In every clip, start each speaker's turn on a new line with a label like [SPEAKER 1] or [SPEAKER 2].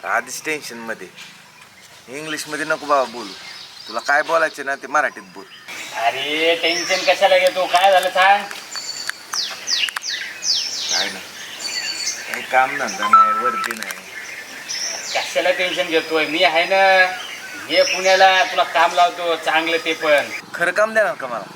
[SPEAKER 1] आधीच टेन्शन मध्ये. इंग्लिश मध्ये नको बाबा बोलू. तुला काय बोलायचं ना ते मराठीत बोल.
[SPEAKER 2] अरे टेन्शन कशाला घेतो? काय झालं सांग.
[SPEAKER 1] काय ना काही काम धंदा नाही, वरती नाही.
[SPEAKER 2] कशाला टेन्शन घेतोय? मी आहे ना, ये पुण्याला, तुला काम लावतो चांगलं, ते पण.
[SPEAKER 1] खरं काम देणार का मला?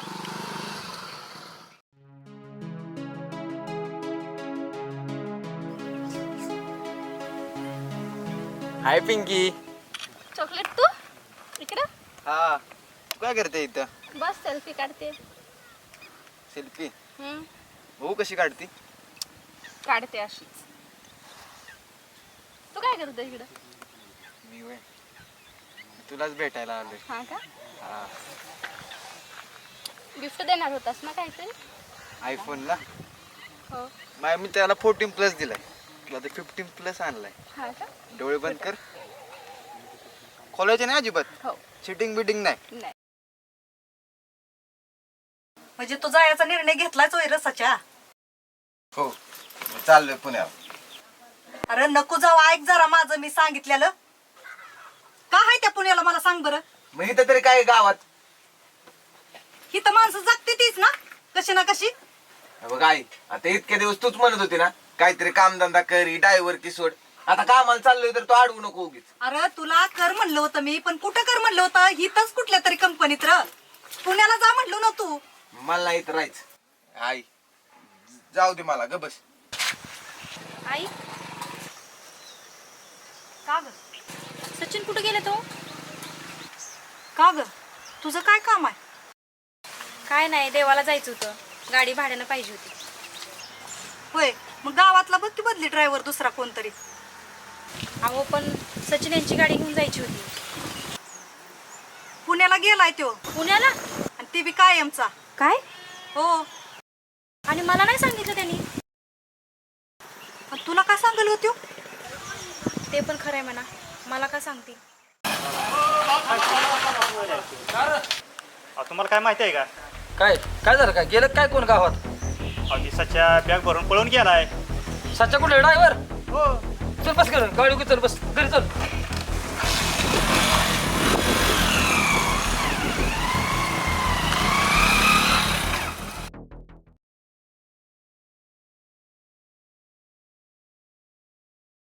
[SPEAKER 3] हाय पिंकी.
[SPEAKER 4] चॉकलेट तू इकडं
[SPEAKER 3] हा, तू काय करते इथं?
[SPEAKER 4] बस सेल्फी काढते.
[SPEAKER 3] सेल्फी?
[SPEAKER 4] हम्म,
[SPEAKER 3] भाऊ कशी काढती?
[SPEAKER 4] काढते अशीच. तू काय करतो इकडं?
[SPEAKER 3] मी वय तुलाच भेटायला आलोय.
[SPEAKER 4] हा का?
[SPEAKER 3] हा,
[SPEAKER 4] गिफ्ट देणार होतास ना काहीतरी?
[SPEAKER 3] आयफोनला
[SPEAKER 4] हो.
[SPEAKER 3] मी त्याला 14+ दिलाय, तुला तर 15+ आणलाय.
[SPEAKER 4] हा का?
[SPEAKER 3] डोळे बंद कर. खोलायचे नाही अजिबात.
[SPEAKER 4] हो.
[SPEAKER 3] चिटिंग बिटिंग नाही.
[SPEAKER 4] नाही.
[SPEAKER 5] म्हणजे तू जायचा निर्णय घेतलाच होय रसाच्या?
[SPEAKER 1] हो, मी चाललोय पुण्याला.
[SPEAKER 5] अरे नको जाऊ, ऐक जरा माझं मी सांगितलेलं. का आहे त्या पुण्याला मला सांग बरं.
[SPEAKER 1] मग इथं तरी काय गावात?
[SPEAKER 5] ही तर माणसं जगते तीच ना कशी ना कशी.
[SPEAKER 1] बघ आई, आता इतके दिवस तूच म्हणत होती ना काहीतरी कामधंदा करी, ड्रायव्हर की सोड. आता कामाला चाललोय तर तू अडवू नको उगीच.
[SPEAKER 5] अरे तुला कर म्हणलं होतं मी, पण कुठं कर म्हणलं होतं? हिथंच कुठल्या तरी कंपनीत र. पुण्याला जा म्हणलो ना तू.
[SPEAKER 1] मला नाही इथं राहायचं. आई जाऊ दे मला, ग बस.
[SPEAKER 4] आई,
[SPEAKER 5] का ग?
[SPEAKER 4] सचिन कुठे गेले तो?
[SPEAKER 5] का ग? तुझं काय काम आहे?
[SPEAKER 6] काय नाही, देवाला जायचं होतं, गाडी भाड्यानं पाहिजे होती.
[SPEAKER 5] होय, मग गावातला बघ की बदली ड्रायव्हर दुसरा कोणतरी.
[SPEAKER 6] अहो पण सचिन यांची गाडी घेऊन जायची होती.
[SPEAKER 5] पुण्याला गेलाय तो,
[SPEAKER 6] पुण्याला?
[SPEAKER 5] आणि ते बी कायमचा.
[SPEAKER 6] काय?
[SPEAKER 5] हो.
[SPEAKER 6] आणि मला नाही सांगितलं त्यांनी.
[SPEAKER 5] आणि तुला काय सांगल होतो?
[SPEAKER 6] ते पण खरंय म्हणा, मला का सांगतील.
[SPEAKER 2] तुम्हाला काय माहिती आहे का?
[SPEAKER 7] काय काय झालं? काय गेलं काय कोण गावात?
[SPEAKER 2] दिसाच्या बॅग भरून पळून गेलाय.
[SPEAKER 7] सच्चा कुठे ड्रायव्हर?
[SPEAKER 2] हो.
[SPEAKER 7] चल बस, कर गाडी, चल बस घरी चल.